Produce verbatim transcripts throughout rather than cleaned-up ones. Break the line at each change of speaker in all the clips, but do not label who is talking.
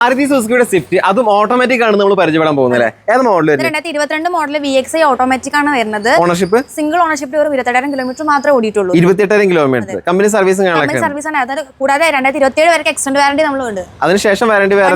മാരുതി സുസുക്കിയുടെ സ്വിഫ്റ്റ് അതും ഓട്ടോമാറ്റിക് ആണ് നമ്മൾ പരിചയപ്പെടാൻ പോകുന്നത്. ഏത് മോഡൽ?
രണ്ടായിരത്തി ഇരുപത്തിരണ്ട് model V X I automatic ആണ് വരുന്നത്.
ഓണർഷിപ്പ്
സിംഗിൾ ഓണർഷിപ്പ് ഒരു ഇരുപത്തെട്ടായിരം കിലോമീറ്റർ മാത്രമേ ഓടിയിട്ടുള്ളൂ.
ഇരുപത്തിയെട്ടായിരം കിലോമീറ്റർ കമ്പനി സർവീസും
സർവീസ് ആണ്. അതായത് കൂടാതെ രണ്ടായിരത്തി ഇരുപത്തി ഏഴ് വരെ എക്സ്റ്റൻഡ് വാറണ്ടി നമ്മളുണ്ട്.
അതിനുശേഷം വാറണ്ടി വേറെ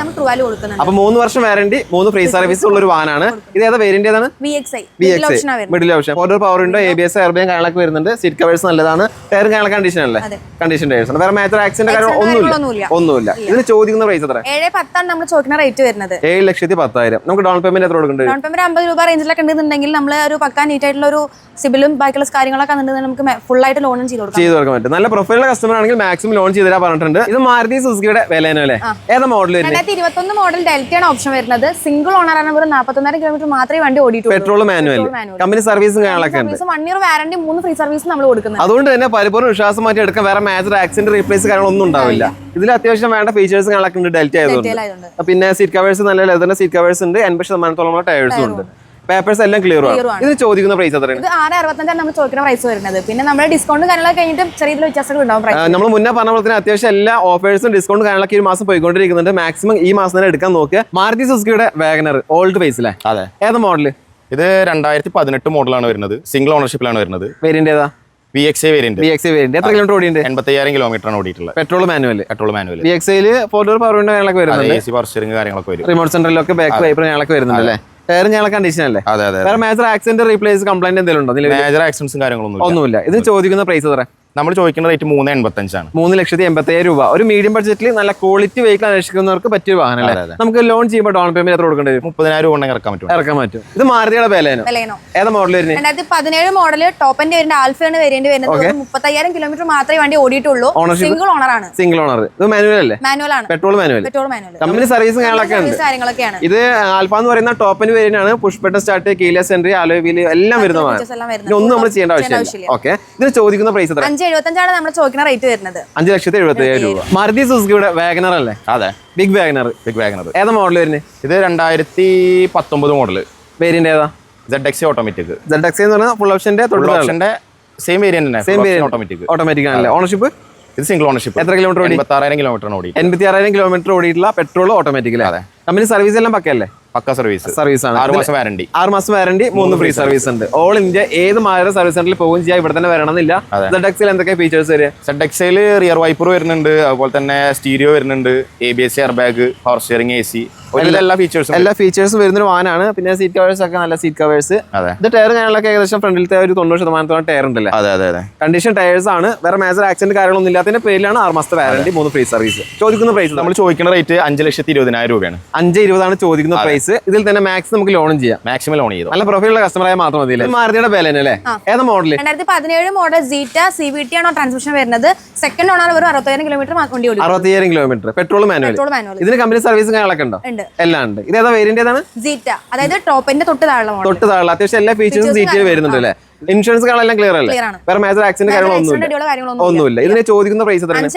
അപ്പൊ
മൂന്ന് വർഷം വാറണ്ടി, മൂന്ന് ഫ്രീ സർവീസ് ഉള്ള ഒരു വാഹനമാണ്. ഇത് ഏതാ വേരിയന്റ് ഏതാണ്?
V X I
middle option. Four power window, A B S, air bag കാര്യങ്ങളൊക്കെ വരുന്നുണ്ട്. സീറ്റ് കവേഴ്സ് നല്ലതാണ്. ടയറും കാര്യങ്ങൾ കണ്ടീഷൻ അല്ലേ? കണ്ടീഷൻ ടയേഴ്സ് ആണ്. വേറെ മേജർ ആക്സിഡന്റ് കാര്യം ഒന്നുമില്ല ഒന്നുമില്ല ഇതിന് ചോദിക്കുന്ന പ്രൈസ് എത്ര?
ഏഴ് പത്താണ് നമ്മൾ ചോദിക്കുന്ന റേറ്റ് വരുന്നത്.
ഏഴ് ലക്ഷത്തി പത്തായിരം. നമുക്ക് ഡൗൺ പേയ്മെന്റ് എത്ര കൊടുക്കേണ്ടത്?
ഡൗൺ പേയ്മെന്റ് അമ്പത് രൂപ റേഞ്ചിലൊക്കെ ഉണ്ടെന്നുണ്ടെങ്കിൽ നമ്മൾ ഒരു പക്കാ നീറ്റ് ആയിട്ടുള്ള ഒരു സിബിലും ബാക്കിയുള്ള കാര്യങ്ങളൊക്കെ ഉണ്ടെങ്കിൽ നമുക്ക് ഫുൾ ആയിട്ട് ലോണും ചെയ്ത് കൊടുക്കാം.
ചെയ്ത് കൊടുക്കാൻ പറ്റും. നല്ല പ്രൊഫൈലുള്ള കസ്റ്റമർ ആണെങ്കിൽ മാക്സിമം ലോൺ ചെയ്ത് തരാൻ പറഞ്ഞിട്ടുണ്ട്. ഇത് മാരുതി സുസുക്കിയുടെ വിലനോ അല്ലേ? ഏതാ മോഡൽ?
രണ്ടായിരത്തി ഇരുപത്തൊന്ന് മോഡൽ ഡെൽറ്റയാണ് ഓപ്ഷൻ വരുന്നത്. സിംഗിൾ ഓണർ ആണ്. ഒരു നാൽപ്പത്തൊന്നായിരം കിലോമീറ്റർ മാത്രമേ വണ്ടി ഓടിയിട്ടുള്ളൂ.
Petrol manual. കമ്പനി സർവീസും കാര്യങ്ങളൊക്കെ ഉണ്ട്.
വൺ ഇയർ വാറണ്ടി, മൂന്ന് ഫ്രീ സർവീസ് നമ്മൾ കൊടുക്കുന്നത്.
അതുകൊണ്ട് തന്നെ പരിപൂർണ്ണ വിശ്വാസം മാറ്റി എടുക്കാൻ വേറെ മേജർ ആക്സിഡന്റ് റീപ്ലേസ് കാര്യങ്ങളൊന്നും ഉണ്ടാവില്ല. ഇതിൽ അത്യാവശ്യം വേണ്ട ഫീച്ചേഴ്സ് കാര്യങ്ങളൊക്കെ ഉണ്ട് ഡെൽറ്റ ആയതുകൊണ്ട്. പിന്നെ സീറ്റ് കവേഴ്സ് നല്ല ലെതറിന്റെ സീറ്റ് കവേഴ്സ് ഉണ്ട്. എൺപത് ശതമാനത്തോളം ടയേഴ്സും ഉണ്ട്. പേപ്പേഴ്സ് എല്ലാം ക്ലിയർ ആണ്. ഇത് ചോദിക്കുന്ന പ്രൈസ് എത്രയാണ്?
ഇത് ആറ് അറുപത്തഞ്ചാണ് നമ്മൾ ചോദിക്കുന്ന പ്രൈസ് വരുന്നത്. പിന്നെ നമ്മുടെ ഡിസ്കൗണ്ട് കാര്യങ്ങളൊക്കെ കഴിഞ്ഞിട്ട് ചെറിയ വ്യത്യാസങ്ങൾ ഉണ്ടാവും.
നമ്മൾ മുന്നേ പറഞ്ഞ പോലെ തന്നെ അത്യാവശ്യം എല്ലാ ഓഫേഴ്സും ഡിസ്കൗണ്ട് കാര്യങ്ങളൊക്കെ ഈ മാസം പോയിക്കൊണ്ടിരിക്കുന്നുണ്ട്. മാക്സിമം ഈ മാസം തന്നെ എടുക്കാൻ നോക്കുക. മാരുതി സുസുക്കിയുടെ വാഗനർ ഓൾഡ് ഫേസിലെ
അതെ
ഏത് മോഡൽ?
ഇത് രണ്ടായിരത്തി പതിനെട്ട് മോഡലാണ് വരുന്നത്. സിംഗിൾ ഓണർഷിപ്പിലാണ് വരുന്നത്.
വേരിയന്റ് ഏതാ?
V X I variant.
V X I variant. എത്ര കിലോമീറ്റർ ഓടിയുണ്ട്?
എൺപത്തയ്യായിരം കിലോമീറ്റർ ആണ് ഓടിയിട്ടുള്ളത്.
Petrol manual.
Petrol manual.
V X ഐയിൽ ഫോർ ഡോർ പവർ വിൻഡോ കാര്യങ്ങളൊക്കെ വരുന്നുണ്ട്.
എ സി പവർ സ്റ്റിയറിംഗ് കാര്യങ്ങളൊക്കെ വരും.
റിമോട്ട് സെന്ററിലൊക്കെ ബാക്ക് വൈപ്പർ കാര്യങ്ങളൊക്കെ വരുന്നുണ്ട് അല്ലേ? ടയർ ഞങ്ങളെ കണ്ടീഷൻ അല്ലേ?
അതെ അതെ.
വേറെ മേജർ ആക്സിഡന്റ് റീപ്ലേസ് കംപ്ലൈന്റ് എന്തെങ്കിലും ഉണ്ടോ?
മേജർ ആക്സിഡന്റ്സും കാര്യങ്ങളൊന്നും
ഒന്നുമില്ല. ഇത് ചോദിക്കുന്ന പ്രൈസ് എത്ര?
നമ്മൾ ചോദിക്കുന്ന റേറ്റ് മൂന്ന് എൺപത്തഞ്ചാണ്.
മൂന്ന് ലക്ഷത്തി എൺപത്തി അയ്യായിരം രൂപ. ഒരു മീഡിയം ബഡ്ജറ്റിൽ നല്ല ക്വാളിറ്റി വെഹിക്കിൾ അന്വേഷിക്കുന്നവർക്ക് പറ്റിയ വാഹനം അല്ലേ? നമുക്ക് ലോൺ ചെയ്യുമ്പോൾ ഡൗൺ പേയ്മെന്റ് എത്ര കൊടുക്കേണ്ടി വരും?
മുപ്പതിനായിരം രൂപ ഇറക്കാൻ പറ്റും.
ഇറക്കാൻ പറ്റും. ഇത് മാരുതിയുടെ ബലേനോ? ഏതാ മോഡൽ വരുന്നത്?
രണ്ടായിരത്തി പതിനേഴ് മോഡല് ടോപ്പിന്റെ വരുന്ന ആൽഫയാണ് വേരിയന്റ് വരുന്നത്. മുപ്പത്തയ്യായിരം കിലോമീറ്റർ മാത്രമേ വണ്ടി ഓടിയിട്ടുള്ളൂ. സിംഗിൾ ഓണർ ആണ്.
Single owner. ഇത് മാനുവൽ അല്ലേ?
മാനുവൽ ആണ്.
Petrol manual.
Petrol manual.
Company സർവീസും കാര്യങ്ങളൊക്കെയാണ്. ഇത് ആൽഫ എന്ന് പറയുന്ന ടോപ്പിന് വേരിയന്റ് ആണ്. Push button start, keyless entry, alloy wheel എല്ലാം വരുന്നതാണ്. ഇതൊന്നും നമ്മൾ ചെയ്യേണ്ട ആവശ്യമില്ല. ഓക്കെ. ഇതിന് ചോദിക്കുന്ന പ്രൈസ് എത്ര?
അഞ്ച് എഴുപത്തഞ്ചാണ് നമ്മൾ റേറ്റ് വരുന്നത്.
അഞ്ച് ലക്ഷത്തി എഴുപത്തി അയ്യായിരം രൂപ. മാരുതി സുസുക്കിയുടെ വാഗനർ അല്ലേ?
അതെ,
ബിഗ് വാഗനർ.
ബിഗ് വാഗനർ.
ഏതാ മോഡൽ വരുന്നത്?
ഇത് രണ്ടായിരത്തി പത്തൊമ്പത് മോഡൽ.
വേരിയന്റ് ഏതാ?
Z X automatic.
Z X എന്ന് പറഞ്ഞാൽ ഫുൾ ഓപ്ഷന്റെ
ഓപ്ഷന്റെ സെയിം വേരിയന്റ് തന്നെ.
Same variant
automatic.
ഓട്ടോമാറ്റിക് ആണല്ലേ? ഓണർഷിപ്പ്?
ഇത് സിംഗിൾ ഓണർഷിപ്പ്.
എത്ര കിലോമീറ്റർ ഓടി?
എൺപത്താറായിരം കിലോമീറ്റർ ഓടി.
എൺപത്തി ആറായിരം കിലോമീറ്റർ ഓടിയിട്ടുള്ള പെട്രോൾ ഓട്ടോമാറ്റിക്. അതെ. കമ്പനി സർവീസ് എല്ലാം പക്കല്ലേ?
പക്ക സർവീസ്.
സർവീസ് ആണ്.
ആറ് മാസം വാറണ്ടി.
ആറ് മാസം വാറണ്ടി, മൂന്ന് ഫ്രീ സർവീസ് ഉണ്ട്. ഓൾ ഇന്ത്യ ഏത് മാരുതി സർവീസ് സെന്ററിൽ പോകുകയും ചെയ്യാം. ഇവിടെ തന്നെ വരണമെന്നില്ല. സെഡ് എക്സിൽ എന്തൊക്കെ ഫീച്ചേഴ്സ് വരിക?
സെഡ് എക്സിൽ റിയർ വൈപ്പർ വരുന്നുണ്ട്. അതുപോലെ തന്നെ സ്റ്റീരിയോ വരുന്നുണ്ട്. A B S, air bag, power steering, A C, എല്ലാ ഫീച്ചേഴ്സും
എല്ലാ ഫീച്ചേഴ്സും വരുന്ന ഒരു വാനാണ്. പിന്നെ സീറ്റ് കവേഴ്സ് ഒക്കെ നല്ല സീറ്റ് കവേഴ്സ്. ഇത് ടയർ ഞാനൊക്കെ ഏകദേശം ഫ്രണ്ടിലത്തെ ഒരു തൊണ്ണൂറ് ശതമാനത്തോളം ടയർ ഉണ്ടല്ലേ?
അതെ അതെ അതെ.
കണ്ടീഷൻ ടയേഴ്സ് ആണ്. വേറെ മേജർ ആക്സിഡന്റ് കാര്യങ്ങളൊന്നും ഇല്ലാത്തതിന്റെ പേരിലാണ് ആറ് മാസത്തെ വാറണ്ടി, മൂന്ന് ഫ്രീ സർവീസ്. ചോദിക്കുന്ന പ്രൈസ്
നമ്മൾ ചോദിക്കുന്ന റേറ്റ് അഞ്ച് ലക്ഷത്തി ഇരുപതിനായിരം രൂപയാണ്.
അഞ്ച് ഇരുപതാണ് ചോദിക്കുന്ന പ്രൈസ്. ഇതിൽ തന്നെ മാക്സ് നമുക്ക് ലോണും ചെയ്യാം.
മാക്സിമം ലോൺ ചെയ്തു.
നല്ല പ്രൊഫൈലുള്ള കസ്റ്റമറായ മാത്രം മതി. മാരുതിയുടെ ബലേനോ അല്ലേ? ഏതാ മോഡൽ?
രണ്ടായിരത്തി പതിനേഴ് model Zeta C V T ആണോ ട്രാൻസ്മിഷൻ വരുന്നത്. സെക്കൻഡ് ഓണർ ഒരു അറുപത്തയ്യായിരം കിലോമീറ്റർ വണ്ടി ഓടി.
അറുപത്തിയ്യായിരം കിലോമീറ്റർ. Petrol manual. ഇതിന് കമ്പനി സർവീസും കാര്യങ്ങളൊക്കെ ഉണ്ടോ? എല്ലാം ഉണ്ട്. ഇത് ഏതാ വേരിയന്റ് ഏതാണ്?
സീറ്റ. അതായത് ടോപ്പിന്റെ തൊട്ട് താഴെ
തൊട്ട് താഴെ അത്യാവശ്യം എല്ലാ ഫീച്ചേഴ്സും സീറ്റിൽ വരുന്നുണ്ട് അല്ലേ? ഇൻഷുറൻസ് കാര്യങ്ങളെല്ലാം ക്ലിയർ അല്ലേ? വേറെ മേജർ ആക്സിഡന്റ് കാര്യങ്ങളൊന്നും ഒന്നുമില്ല. ഇതിന് ചോദിക്കുന്ന പ്രൈസ് എത്രയാണ്?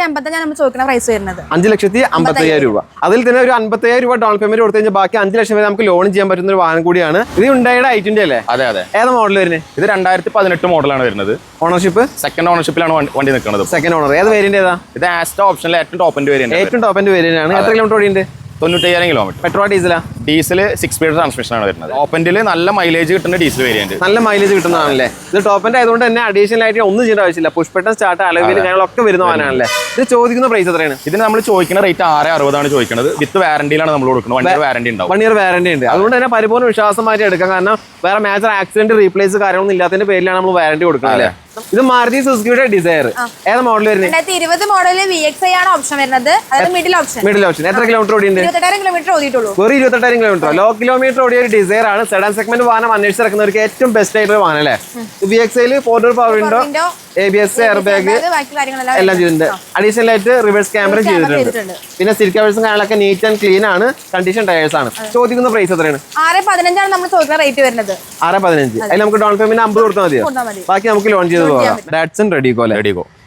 അഞ്ച് ലക്ഷത്തി അമ്പത്തി അയ്യായിരം രൂപ. അതിൽ തന്നെ ഒരു അമ്പത്തി അയ്യായിരം രൂപ ഡൗൺ പേയ്മെന്റ് കൊടുത്തു കഴിഞ്ഞാൽ ബാക്കി അഞ്ച് ലക്ഷം വരെ നമുക്ക് ലോൺ ചെയ്യാൻ പറ്റുന്ന ഒരു വാഹനം കൂടിയാണ്. ഇത് ഉണ്ടായുടെ ഐ ട്വന്റി അല്ലേ?
അതെ അതെ.
ഏതാ മോഡൽ വരുന്നത്?
ഇത് രണ്ടായിരത്തി പതിനെട്ട് മോഡലാണ് വരുന്നത്.
ഓണർഷിപ്പ്?
സെക്കൻഡ് ഓണർഷിപ്പിലാണ് വണ്ടി നിൽക്കുന്നത്.
Second owner. ഏത് വേരിയന്റ് ഏതാ?
ഇത് ആസ്റ്റ ഓപ്ഷനിലെ ഏറ്റവും ടോപ്പിന്റെ വേരിയന്റ്.
ഏറ്റവും ടോപ്പിന്റെ വേരിയന്റ് ആണ്. എത്ര കിലോമീറ്റർ ഓടിയുണ്ട്?
തൊണ്ണൂറ്റയ്യായിരം കിലോമീറ്റർ.
പെട്രോൾ ഡീസലാ?
ഡീസൽ സിക്സ് സ്പീഡ് ട്രാൻസ്മിഷൻ ആണ് വരുന്നത്. ഓപ്പൻഡിൽ നല്ല മൈലേജ് കിട്ടുന്ന ഡീസൽ വേരിയന്റ്.
നല്ല മൈലേജ് കിട്ടുന്നതാണല്ലേ? ഇത് ടോപ്പിന്റെ ആയതുകൊണ്ട് തന്നെ അഡീഷണൽ ആയിട്ട് ഒന്നും ചെയ്യേണ്ട ആവശ്യമില്ല. പുഷ് ബട്ടൺ സ്റ്റാർട്ട്, അലോയ് കാര്യങ്ങളൊക്കെ വരുന്നവനാണല്ലേ? ഇത് ചോദിക്കുന്ന പ്രൈസ് എത്രയാണ്?
ഇതിന് നമ്മൾ ചോദിക്കുന്ന റേറ്റ് ആറ് അറുപതാണ് ചോദിക്കുന്നത്. വിത്ത് വാറണ്ടിയിലാണ് നമ്മൾ കൊടുക്കുന്നത്. വൺ ഇയർ വാറണ്ടി ഉണ്ടാവും.
വൺ ഇയർ വാറണ്ടി ഉണ്ട്. അതുകൊണ്ട് തന്നെ പരിപൂർണ്ണ വിശ്വാസമായിട്ട് എടുക്കാം. കാരണം വേറെ മേജർ ആക്സിഡന്റ് റീപ്ലേസ് കാര്യങ്ങളൊന്നും ഇല്ലാത്തതിന്റെ പേരിലാണ് നമ്മൾ വാറണ്ടി കൊടുക്കുന്നത്. ഇത് മാരുതി സുസുക്കിയുടെ ഡിസയർ. ഏതാ മോഡൽ വരുന്നത്?
രണ്ടായിരത്തി ഇരുപത് മോഡൽ വി എക്സ് ഐ ആണ് ഓപ്ഷൻ വരുന്നത്. അതായത് മിഡിൽ ഓപ്ഷൻ.
Middle option. എത്ര കിലോമീറ്റർ ഓടിയുണ്ട്?
ഇരുപത്തെട്ടായിരം കിലോമീറ്റർ ഓടിയിട്ടുള്ളൂ.
വെറും ഇരുപത്തെട്ടായിരം കിലോമീറ്റർ. ലോ കിലോമീറ്റർ ഓടിയ ഒരു ഡിസയർ ആണ്. സെഡാൻ സെഗ്മെന്റ് വാഹനം അന്വേഷിച്ചിറക്കുന്നവർക്ക് ഏറ്റവും ബെസ്റ്റ് ആയിട്ടുള്ള വാഹനം അല്ലേ? വി എക്സ് ഐയിൽ four door power window, A B S, air bag എല്ലാം ചെയ്തിട്ടുണ്ട്. അഡീഷണൽ ആയിട്ട് റിവേഴ്സ് ക്യാമറ ചെയ്തിട്ടുണ്ട്. പിന്നെ സീറ്റ് കവേഴ്സും കാര്യങ്ങളൊക്കെ നീറ്റ് ആൻഡ് ക്ലീൻ ആണ്. കണ്ടീഷൻ ടയേഴ്സ് ആണ്. ചോദിക്കുന്ന പ്രൈസ് എത്രയാണ്?
ആറ് പതിനഞ്ചാണ് നമ്മൾ ചോദിക്കുന്ന റേറ്റ് വരുന്നത്.
ആറ് പതിനഞ്ച്. അതിൽ നമുക്ക് ഡൗൺ പേയ്മെന്റ് അമ്പത് കൊടുത്താൽ മതിയോ? ബാക്കി നമുക്ക് ലോൺ ചെയ്ത് പോകാം. Datsun Redigo.
റെഡിഗോ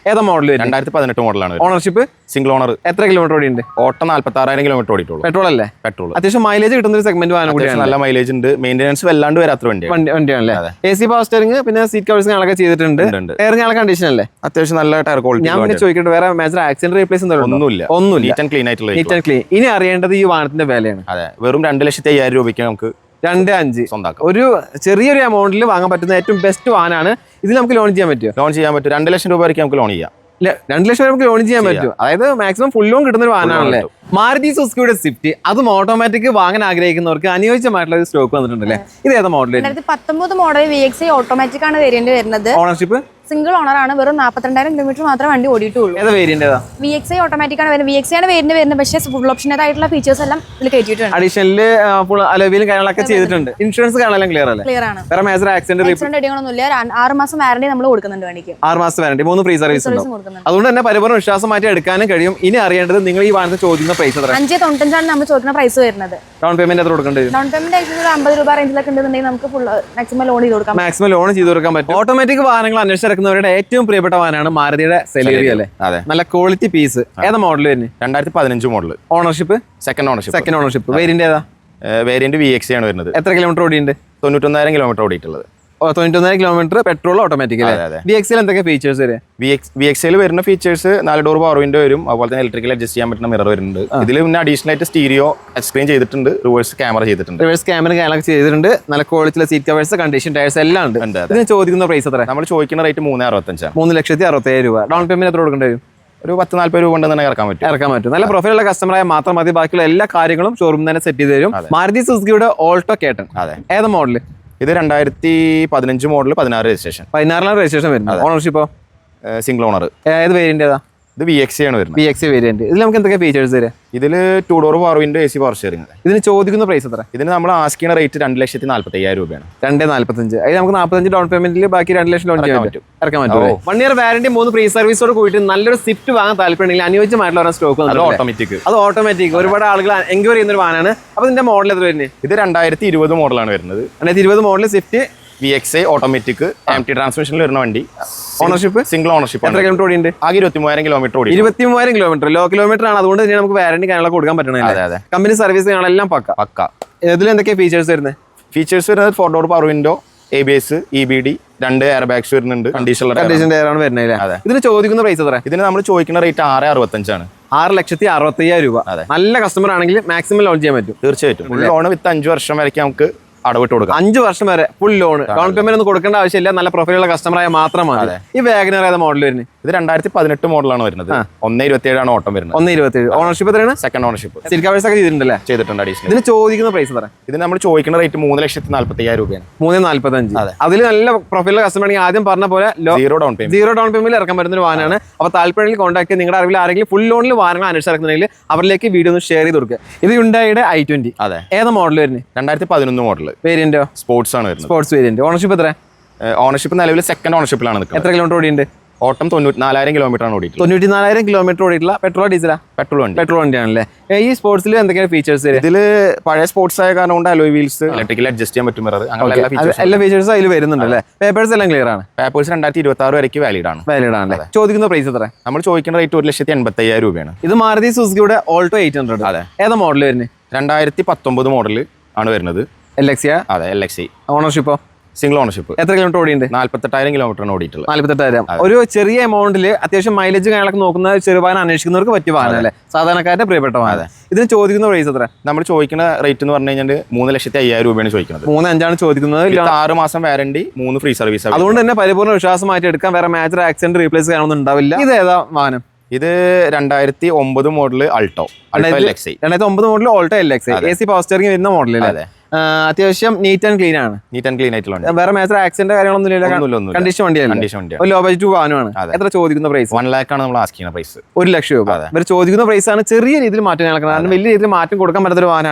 ഏതാ മോഡൽ വരും?
രണ്ടായിരത്തി പതിനെട്ട് മോഡലാണ്.
Ownership
single owner.
എത്ര കിലോമീറ്റർ ഓടിയുണ്ട്?
ഓട്ടം നാല്പത്തി ആറായിരം കിലോമീറ്റർ ഓടിയിട്ടുള്ളൂ.
പെട്രോൾ അല്ലേ?
പെട്രോൾ.
അത്യാവശ്യം മൈലേജ് കിട്ടുന്ന ഒരു സെഗ്മെന്റ് വാഹനം കൂടിയാണ്.
നല്ല മൈലേജ് ഉണ്ട്. മെയിൻ്റെനൻസ് വല്ലാണ്ട് വരാത്ത വണ്ടിയാണ്.
വണ്ടി വണ്ടിയാണല്ലേ? എ സി പവർ സ്റ്റിയറിംഗ് പിന്നെ സീറ്റ് കവേഴ്സ് ഞങ്ങളൊക്കെ ചെയ്തിട്ടുണ്ട്. ടയർ ഞങ്ങളെ കണ്ടീഷൻ അല്ലേ?
അത്യാവശ്യം നല്ല ടയർ ക്വാളിറ്റി.
ഞാൻ പിന്നെ ചോദിക്കട്ടെ, വേറെ മേജർ ആക്സിഡന്റ് റീപ്ലേസ്
ഒന്നുമില്ല.
ഒന്നുമില്ല.
നീറ്റ് ആൻഡ് ക്ലീൻ ആയിട്ടുള്ള.
Neat and clean. ഇനി അറിയേണ്ടത് ഈ വാഹനത്തിന്റെ വിലയാണ്.
അതെ, വെറും രണ്ട് ലക്ഷത്തി അയ്യായിരം രൂപയ്ക്ക് നമുക്ക്
രണ്ട് അഞ്ച്
സ്വന്തമാക്കാം.
ഒരു ചെറിയൊരു എമൗണ്ടിൽ വാങ്ങാൻ പറ്റുന്ന ഏറ്റവും ബെസ്റ്റ് വാഹനമാണ്. ഇതിൽ നമുക്ക് ലോൺ ചെയ്യാൻ പറ്റുമോ?
ലോൺ ചെയ്യാൻ പറ്റും. രണ്ട് ലക്ഷം രൂപ വരെയ്ക്ക് നമുക്ക് ലോൺ ചെയ്യാം.
രണ്ട് ലക്ഷം വരെ നമുക്ക് ലോൺ ചെയ്യാൻ പറ്റും. അതായത് മാക്സിമം ഫുൾ ലോൺ കിട്ടുന്ന ഒരു വാഹനമാണല്ലേ മാരുതി സുസുക്കിയുടെ സ്വിഫ്റ്റ്. അതും ഓട്ടോമാറ്റിക് വാങ്ങാൻ ആഗ്രഹിക്കുന്നവർക്ക് അനുയോജ്യമായിട്ടുള്ള ഒരു സ്റ്റോക്ക് വന്നിട്ടുണ്ടല്ലേ. ഇത് ഏതാ മോഡൽ?
രണ്ടായിരത്തി പത്തൊമ്പത് model V X I automatic ആണ് വേരിയന്റ് വരുന്നത്.
ഓണർഷിപ്പ്
സിംഗിൾ ഓണർ ആണ്. വെറും നാൽപ്പത്തിരണ്ടായിരം കിലോമീറ്റർ മാത്രമേ വണ്ടി ഓടിയിട്ടുള്ളൂ.
ഏതാ വേരിയന്റ്? ഏതാ?
വി എക്സ് ഐ ഓട്ടോമാറ്റിക് ആണ് വരുന്നത്. വി എക്സ് ഐ ആണ് വേരിയന്റ് വരുന്നത്. പക്ഷേ ഫുൾ ഓപ്ഷനായിട്ടുള്ള ഫീച്ചേഴ്സ് എല്ലാം ഇതിൽ കയറ്റിയിട്ടുണ്ട്.
അഡീഷണല് അലോവിയിലും കാര്യങ്ങളൊക്കെ ചെയ്തിട്ടുണ്ട്. ഇൻഷുറൻസ് കാണാൻ ക്ലിയർ അല്ലേ?
ക്ലിയർ ആണ്.
വേറെ മേജർ ആക്സിഡന്റ്
ആക്സിഡന്റ് അടികളൊന്നുമില്ല. ആറ് മാസം വാറണ്ടി നമ്മൾ കൊടുക്കുന്നുണ്ട് വണ്ടിക്ക്.
ആറ് മാസം വാറണ്ടി, മൂന്ന് ഫ്രീ സർവീസ് ഉണ്ടാവും.
കൊടുക്കുന്നുണ്ട്.
അതുകൊണ്ട് തന്നെ പരിപൂർണ്ണ വിശ്വാസം മാറ്റി എടുക്കാനും കഴിയും. ഇനി അറിയേണ്ടത് നിങ്ങൾ ഈ വാഹനത്തിൽ ചോദിക്കുന്ന പ്രൈസ് എത്ര?
അഞ്ച് തൊണ്ണൂറ്റഞ്ചാണ് നമ്മൾ ചോദിക്കുന്ന പ്രൈസ് വരുന്നത്.
ഡൗൺ പേയ്മെന്റ് എത്ര കൊടുക്കേണ്ടി വരും?
ഡൗൺ പേയ്മെന്റ് ആയിട്ട് ഒരു അമ്പത് രൂപ റേഞ്ചിലൊക്കെ ഉണ്ടെന്നുണ്ടെങ്കിൽ നമുക്ക് ഫുൾ മാക്സിമം ലോൺ ചെയ്ത് കൊടുക്കാം.
മാക്സിമം ലോൺ ചെയ്ത് കൊടുക്കാൻ പറ്റും. ഓട്ടോമാറ്റിക് വാഹനങ്ങൾ അന്വേഷിച്ചിറക്കുന്നവരുടെ ഏറ്റവും പ്രിയപ്പെട്ട വാഹനമാണ് മാരുതിയുടെ സെലേറിയ അല്ലേ?
അതെ,
നല്ല ക്വാളിറ്റി പീസ്. ഏതാ മോഡൽ വരുന്നത്?
രണ്ടായിരത്തി പതിനഞ്ച് model.
Ownership
second ownership.
Second ownership. Variant ഏതാ?
വേരിയന്റ് വി എക്സ് ആണ് വരുന്നത്.
എത്ര കിലോമീറ്റർ ഓടിയുണ്ട്?
തൊണ്ണൂറ്റൊന്നായിരം കിലോമീറ്റർ ഓടിയിട്ടുള്ളത്.
തൊണ്ണൂറ്റൊന്നായിരം കിലോമീറ്റർ പെട്രോൾ ഓട്ടോമാറ്റിക് അല്ലേ? വി എക്സിൽ എന്തൊക്കെ ഫീച്ചേഴ്സ് വരെ?
വി എക്സിൽ വരുന്ന ഫീച്ചേഴ്സ് നാല് ഡോർ പവർ വിൻഡോ വരും. അതുപോലെ തന്നെ ഇലക്ട്രിക്കൽ അഡ്ജസ്റ്റ് ചെയ്യാൻ പറ്റുന്ന മിറർ വരുന്നുണ്ട്. ഇതിൽ പിന്നെ അഡീഷണൽ ആയിട്ട് സ്റ്റീരിയോ ടച്ച് സ്ക്രീൻ ചെയ്തിട്ടുണ്ട്. റിവേഴ്സ് ക്യാമറ ചെയ്തിട്ടുണ്ട്.
റിവേഴ്സ് ക്യാമറ കാര്യങ്ങളൊക്കെ ചെയ്തിട്ടുണ്ട്. നല്ല ക്വാളിറ്റിയിലെ സീറ്റ് കവേഴ്സ്, കണ്ടീഷൻ ടയർസ് എല്ലാം ഉണ്ട്. ഇതിന് ചോദിക്കുന്ന പ്രൈസ് എത്ര?
നമ്മൾ ചോദിക്കുന്ന റേറ്റ് മൂന്ന് അറുപത്തഞ്ചാണ്.
മൂന്ന് ലക്ഷത്തി അറുപത്തയ്യായിരം രൂപ. ഡൗൺ പേയ്മെന്റ് എത്ര കൊടുക്കേണ്ടി വരും?
ഒരു പത്ത് നാല്പത് രൂപ കൊണ്ട് തന്നെ ഇറക്കാൻ പറ്റും.
ഇറക്കാൻ പറ്റും. നല്ല പ്രൊഫൈലുള്ള കസ്റ്റമറായ മാത്രം മതി. ബാക്കിയുള്ള എല്ലാ കാര്യങ്ങളും ഷോറൂം തന്നെ സെറ്റ് ചെയ്ത് തരും. മാരുതി സുസുക്കിയുടെ ഓൾട്ടോ കേട്ടൺ.
അതെ.
ഏതാ മോഡല്?
ഇത് രണ്ടായിരത്തി പതിനഞ്ച് മോഡൽ, പതിനാറ് രജിസ്ട്രേഷൻ.
പതിനാറിലാണ് രജിസ്ട്രേഷൻ വരുന്നത്. ഓണർഷിപ്പോ
സിംഗിൾ ഓണർ.
ഏത് വേരിയന്റ് ഏതാ?
ഇത് വി എക്സ് ആണ് വരുന്നത്.
V X variant. ഇതിൽ നമുക്ക് എന്തൊക്കെ ഫീച്ചേഴ്സ് തരാം?
ഇതിൽ two door power window, A C power steering.
ഇതിന് ചോദിക്കുന്ന പ്രൈസ് എത്ര?
ഇതിന് നമ്മൾ ആസ്കിക്കുന്ന റേറ്റ് രണ്ട് ലക്ഷത്തി നാല്പത്തി അയ്യായിരം രൂപയാണ്.
രണ്ട് നാല്പത്തഞ്ച്. അതിന് നമുക്ക് നാൽപ്പത്തഞ്ച് ഡൗൺ പേയ്മെന്റിൽ ബാക്കി രണ്ട് ലക്ഷം ലോൺ ചെയ്യാൻ പറ്റും. ഇറക്കാൻ പറ്റും. വൺ ഇയർ വാറന്റി, മൂന്ന് ഫ്രീ സർവീസോട് കൂടിയിട്ട് നല്ലൊരു സ്വിഫ്റ്റ് വാങ്ങാൻ താല്പര്യമുണ്ടെങ്കിൽ അനുയോജ്യമായിട്ടുള്ള ഒരു സ്റ്റോക്ക്
ഓട്ടോമാറ്റിക്.
അത് ഓട്ടോമാറ്റിക് ഒരുപാട് ആളുകൾ എൻക്വയറി ചെയ്യുന്ന ഒരു വാഹനമാണ്. അപ്പൊ ഇതിന്റെ മോഡൽ എത്ര വരുന്നത്?
ഇത് രണ്ടായിരത്തി ഇരുപത് മോഡലാണ് വരുന്നത്.
രണ്ടായിരത്തി ഇരുപത് model Swift
V X I automatic M T ട്രാൻസ്മിഷനിൽ വരുന്ന വണ്ടി.
Ownership
single ownership.
എത്ര കിലോമീറ്റർ ഓടിയുണ്ട്?
ആകെ ഇരുപത്തി മൂവായിരം കിലോമീറ്റർ ഓടി.
ഇരുപത്തി മൂവായിരം കിലോമീറ്റർ ലോ കിലോമീറ്റർ ആണ്. അതുകൊണ്ട് തന്നെ നമുക്ക് വാറന്റി കാര്യങ്ങളൊക്കെ കൊടുക്കാൻ പറ്റണേ. കമ്പനി സർവീസ് കാര്യങ്ങളെല്ലാം പക്ക
പക്ക.
ഇതിൽ എന്തൊക്കെയാണ് ഫീച്ചേഴ്സ് വരുന്നത്?
ഫീച്ചേഴ്സ് വരുന്നത് four door power window, A B S, E B D, രണ്ട് എയർ ബാഗ്സ് വരുന്നുണ്ട്. കണ്ടീഷൻ
ടയർ ആണ് വരുന്നത്. ഇതിന് ചോദിക്കുന്ന പ്രൈസ് എത്ര?
ഇതിന് നമ്മൾ ചോദിക്കുന്ന റേറ്റ് ആറ് അറുപത്തഞ്ചാണ്.
ആറ് ലക്ഷത്തി അറുപത്തി അയ്യായിരം രൂപ. നല്ല കസ്റ്റമർ ആണെങ്കിൽ മാക്സിമം ലോൺ ചെയ്യാൻ പറ്റും.
തീർച്ചയായിട്ടും. ഫുൾ ലോൺ വിത്ത് അഞ്ച് വർഷം വരയ്ക്ക് നമുക്ക് അടവിട്ട് കൊടുക്കാം.
അഞ്ചു വർഷം വരെ ഫുൾ ലോൺ. ഡൗൺ പേയ്മെന്റ് ഒന്നും കൊടുക്കേണ്ട ആവശ്യമില്ല. നല്ല പ്രൊഫൈലുള്ള കസ്റ്റമറായ മാത്രമാണ്. ഈ വാഗനർ ഏതാ മോഡൽ വരുന്നത്?
ഇത് രണ്ടായിരത്തി പതിനെട്ട് മോഡലാണ് വരുന്നത്. ഒന്ന് ഇരുപത്തി ഏഴാണ് ഓട്ടം വരുന്നത്.
ഒന്ന് ഇരുപത്തി ഏഴ്. ഓണർഷിപ്പ് എത്രയാണ്?
Second ownership.
സീറ്റ് കവേഴ്സ് ഒക്കെ ചെയ്തിട്ടുണ്ടല്ലേ?
ചെയ്തിട്ടുണ്ട്. അഡീഷണൽ.
ഇതിന് ചോദിക്കുന്ന പ്രൈസ് എത്ര?
ഇത് നമ്മൾ ചോദിക്കുന്ന റേറ്റ് മൂന്ന് ലക്ഷത്തി നാല്പത്തി അയ്യായിരം രൂപയാണ്.
മൂന്ന് നാല്പത്തഞ്ച്. അതിൽ നല്ല പ്രൊഫൈലുള്ള കസ്റ്റമർ ആണെങ്കിൽ ആദ്യം പറഞ്ഞ പോലെ
zero down payment
zero down payment ഇറക്കാൻ പറ്റുന്ന ഒരു വാഹനമാണ്. അപ്പോൾ താല്പര്യത്തിൽ കോൺടാക്ട് നിങ്ങളുടെ അറിവിൽ ആരെങ്കിലും ഫുൾ ലോണിൽ വാഹനങ്ങൾ അന്വേഷിച്ചിറക്കുന്നുണ്ടെങ്കിൽ അവരിലേക്ക് വീഡിയോ ഒന്ന് ഷെയർ ചെയ്ത് കൊടുക്കുക. ഇത് ഹ്യുണ്ടായിയുടെ ഐ ട്വന്റി.
അതെ.
ഏതാ മോഡൽ വരുന്നത്?
രണ്ടായിരത്തി പതിനൊന്ന് മോഡൽ.
വേരിയന്റോ?
സ്പോർട്സ് ആണ് വരുന്നത്.
Sports variant. ഓണർഷിപ്പ് എത്ര?
ഓണർഷിപ്പ് നിലവിൽ സെക്കൻഡ് ഓണർഷിപ്പിലാണ് നിൽക്കുന്നത്.
എത്ര കിലോമീറ്റർ ഓടിയുണ്ട്?
ഓട്ടം തൊണ്ണൂറ്റി നാലായിരം കിലോമീറ്റർ ആണ് ഓടിയിട്ടുള്ളത്.
തൊണ്ണൂറ്റി നാലായിരം കിലോമീറ്റർ ഓടിയിട്ടുള്ള പെട്രോൾ ഡീസലാ?
പെട്രോൾ വണ്ടി.
പെട്രോൾ വണ്ടിയാണല്ലേ. ഈ സ്പോർട്സിൽ എന്തൊക്കെയാണ് ഫീച്ചേഴ്സ്?
ഇതിൽ പഴയ സ്പോർട്സ് ആയ കാരണം കൊണ്ട് അലോയ് വീൽസ്, ഇലക്ട്രിക്കൽ അഡ്ജസ്റ്റ് ചെയ്യാൻ പറ്റും മിറർ, അങ്ങനെ
എല്ലാ ഫീച്ചേഴ്സും അതിൽ വരുന്നുണ്ട് അല്ലേ? പേപ്പേഴ്സ് എല്ലാം ക്ലിയർ ആണ്.
പേപ്പേഴ്സ് രണ്ടായിരത്തി ഇരുപത്തി ആറ് വരയ്ക്ക് വാലിഡ് ആണ്.
വാലിഡ് ആണല്ലേ. ചോദിക്കുന്ന പ്രൈസ് എത്ര?
നമ്മൾ ചോദിക്കുന്ന റേറ്റ് ഒരു ലക്ഷത്തി എൺപത്തി അയ്യായിരം രൂപയാണ്.
ഇത് മാരുതി സുസുക്കിയുടെ ഓൾട്ടോ എയ്റ്റ് ഹൺഡ്രഡ്.
അതെ.
ഏതാ മോഡൽ വരുന്നത്?
രണ്ടായിരത്തി പത്തൊമ്പത് മോഡൽ ആണ് വരുന്നത്.
L X.
അതെ, എൽ എക്സ്.
ഓണർഷിപ്പോ?
Single ownership.
എത്ര കിലോമീറ്റർ ഓടിയുണ്ട്?
നാല്പത്തെട്ടായിരം കിലോമീറ്ററാണ് ഓടിയിട്ടുള്ളത്.
നാല്പത്തെട്ടായിരം. ഒരു ചെറിയ എമൗണ്ടിൽ അത്യാവശ്യം മൈലേജ് കാര്യങ്ങളൊക്കെ നോക്കുന്ന ചെറുവാഹനം അന്വേഷിക്കുന്നവർക്ക് പറ്റിയ വാഹനം അല്ലേ? സാധാരണക്കാരുടെ പ്രിയപ്പെട്ട വാഹനം. ഇതിന് ചോദിക്കുന്ന പ്രൈസ് എത്ര?
നമ്മൾ ചോദിക്കുന്ന റേറ്റ് എന്ന് പറഞ്ഞു കഴിഞ്ഞാൽ മൂന്ന് ലക്ഷത്തി അയ്യായിരം രൂപയാണ് ചോദിക്കുന്നത്.
മൂന്ന് അഞ്ചാണ് ചോദിക്കുന്നത്.
ആറ് മാസം വാറണ്ടി, മൂന്ന് ഫ്രീ സർവീസ്.
അതുകൊണ്ട് തന്നെ പരിപൂർണ്ണ വിശ്വാസമായിട്ട് എടുക്കാൻ. വേറെ മേജർ ആക്സിഡന്റ് റീപ്ലേസ് ചെയ്യാനൊന്നും ഉണ്ടാവില്ല. ഇത് ഏതാ വാഹനം?
ഇത് രണ്ടായിരത്തി ഒമ്പത് മോഡൽ അൾട്ടോ.
രണ്ടായിരത്തി ഒമ്പത് model Alto L X. A C power steering വരുന്ന മോഡൽ. അത്യാവശ്യം നീറ്റ് ആൻഡ് ക്ലീൻ ആണ്.
നീറ്റ് ആൻഡ് ക്ലീൻ ആയിട്ടുള്ള
വേറെ മേജർ ആക്സിഡന്റ് കാര്യങ്ങളൊന്നും കണ്ടീഷൻ വണ്ടിയാണ്. ലോ ബഡ്ജറ്റ് വാഹനമാണ്. എത്ര ചോദിക്കുന്ന പ്രൈസ്?
വൺ ലാക്ക് ആണ് നമ്മൾ ആസ്കിക്കുന്ന പ്രൈസ്.
ഒരു ലക്ഷം രൂപ ഇവർ ചോദിക്കുന്ന പ്രൈസ് ആണ്. ചെറിയ രീതിയിൽ മാറ്റം നടക്കുന്നത്. കാരണം വലിയ രീതിയിൽ മാറ്റം കൊടുക്കാൻ പറ്റാത്ത ഒരു വാഹനമാണ്.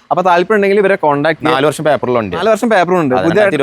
അപ്പൊ താല്പര്യം ഉണ്ടെങ്കിൽ ഇവരെ കോൺടാക്ട്
നാല് വർഷം പേപ്പറിലുണ്ട്
നാല് വർഷം പേപ്പറും ഉണ്ട്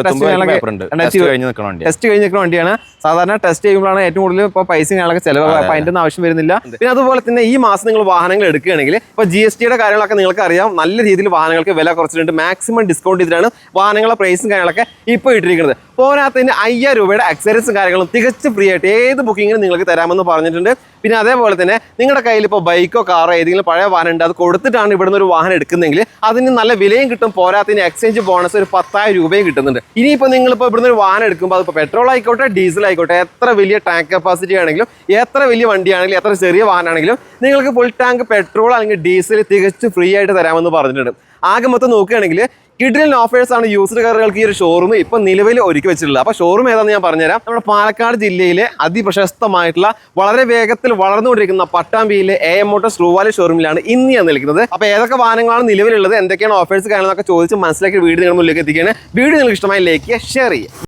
ടെസ്റ്റ് കഴിഞ്ഞ് നിൽക്കുന്ന വണ്ടിയാണ്. സാധാരണ ടെസ്റ്റ് ചെയ്യുമ്പോഴാണ് ഏറ്റവും കൂടുതൽ ഇപ്പോൾ പൈസ കാര്യങ്ങളൊക്കെ ചിലവ്, അപ്പൊ അതിന്റെ ആവശ്യം വരുന്നില്ല. പിന്നെ അതുപോലെ തന്നെ ഈ മാസം നിങ്ങൾ വാഹനങ്ങൾ എടുക്കുകയാണെങ്കിൽ ഇപ്പൊ ജി എസ് ടിയുടെ കാര്യങ്ങളൊക്കെ നിങ്ങൾക്ക് അറിയാം, നല്ല രീതിയിൽ വാഹനങ്ങൾക്ക് വില കുറച്ചിട്ടുണ്ട്. മാക്സിമം ഡിസ്കൗണ്ട് ചെയ്തിട്ടാണ് വാഹനങ്ങളുടെ പ്രൈസും കാര്യങ്ങളൊക്കെ ഇപ്പോൾ ഇട്ടിരിക്കുന്നത്. പോരാത്തതിന് അയ്യായിരം രൂപയുടെ അക്സസറീസും കാര്യങ്ങളും തികച്ചും ഫ്രീ ആയിട്ട് ഏത് ബുക്കിങ്ങിനും നിങ്ങൾക്ക് തരാമെന്ന് പറഞ്ഞിട്ടുണ്ട്. പിന്നെ അതേപോലെ തന്നെ നിങ്ങളുടെ കയ്യിൽ ഇപ്പോൾ ബൈക്കോ കാറോ ഏതെങ്കിലും പഴയ വാഹനം ഉണ്ട്, അത് കൊടുത്തിട്ടാണ് ഇവിടുന്ന് ഒരു വാഹനം എടുക്കുന്നെങ്കിൽ അതിന് നല്ല വിലയും കിട്ടും. പോരാത്തതിന് എക്സ്ചേഞ്ച് ബോണസ് ഒരു പത്തായിരം രൂപയും കിട്ടുന്നുണ്ട്. ഇനിയിപ്പോൾ നിങ്ങളിപ്പോൾ ഇവിടുന്ന് ഒരു വാഹനം എടുക്കുമ്പോൾ അതിപ്പോൾ പെട്രോൾ ആയിക്കോട്ടെ ഡീസൽ ആയിക്കോട്ടെ, എത്ര വലിയ ടാങ്ക് കപ്പാസിറ്റി ആണെങ്കിലും എത്ര വലിയ വണ്ടിയാണെങ്കിലും എത്ര ചെറിയ വാഹനമാണെങ്കിലും നിങ്ങൾക്ക് ഫുൾ ടാങ്ക് പെട്രോൾ അല്ലെങ്കിൽ ഡീസൽ തികച്ചും ഫ്രീ ആയിട്ട് തരാമെന്ന് പറഞ്ഞിട്ടുണ്ട്. ആകെ മൊത്തം നോക്കുകയാണെങ്കിൽ കിഡിലൻ ഓഫേഴ്സ് ആണ് യൂസ്ഡ് കാറുകൾക്ക് ഈ ഒരു ഷോറൂം ഇപ്പൊ നിലവിൽ ഒരുക്കി വെച്ചിട്ടുള്ളത്. അപ്പൊ ഷോറൂം ഏതാണെന്ന് ഞാൻ പറഞ്ഞുതരാം. നമ്മുടെ പാലക്കാട് ജില്ലയിലെ അതിപ്രശസ്തമായിട്ടുള്ള വളരെ വേഗത്തിൽ വളർന്നുകൊണ്ടിരിക്കുന്ന പട്ടാമ്പിയിലെ എ എം മോട്ടോഴ്സ് ട്രൂവാലി ഷോറൂമിലാണ് ഇന്ന് ഞാൻ നിൽക്കുന്നത്. അപ്പൊ ഏതൊക്കെ വാഹനങ്ങളാണ് നിലവിലുള്ളത്, എന്തൊക്കെയാണ് ഓഫേഴ്സ് കാര്യങ്ങളൊക്കെ ചോദിച്ച് മനസ്സിലാക്കി വീഡിയോ നിങ്ങളുടെ മുന്നിലേക്ക് എത്തിക്കുകയാണ്. വീഡിയോ നിങ്ങൾക്ക് ഇഷ്ടമായി ലൈക്ക് ചെയ്യുക, ഷെയർ ചെയ്യുക.